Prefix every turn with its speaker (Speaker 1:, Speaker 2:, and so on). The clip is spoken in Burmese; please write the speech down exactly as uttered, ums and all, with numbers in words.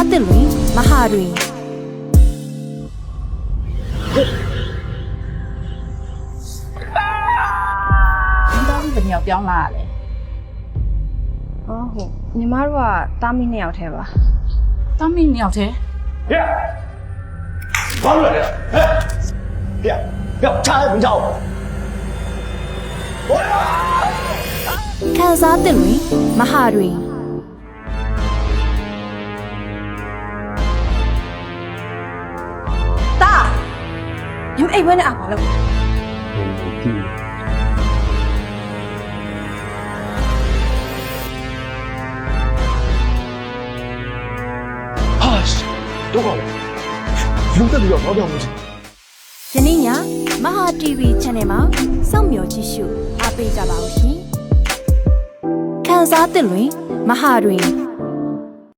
Speaker 1: စားသစ်လွင်မဟာတွင်
Speaker 2: ဒီတော့ဒီဘယ်နှစ်ယောက်ပြောင်းလာရလဲ
Speaker 3: အော်ဟုတ်ညီမတို့ကတားမိနှစ်ယောက်ထဲပါ
Speaker 2: တမီးနှစ်ယောက်တည်း
Speaker 4: 别，跑出来了！哎，别，别，插也不插我。我呀！
Speaker 1: ခန်းစားသစ်လွင်မဟာတွင်တာညီမအိမ်ဝဲနဲ့အားပါလို့
Speaker 4: 啊，都搞了，用这里要钞票不行。
Speaker 1: ယနေ့ညမဟာ တီဗီ Channel မှာစောင့်မျှော်ကြည့်ရှုအားပေးကြပါဦးရှင်ခန်းစားသစ်လွင်မဟာတွင်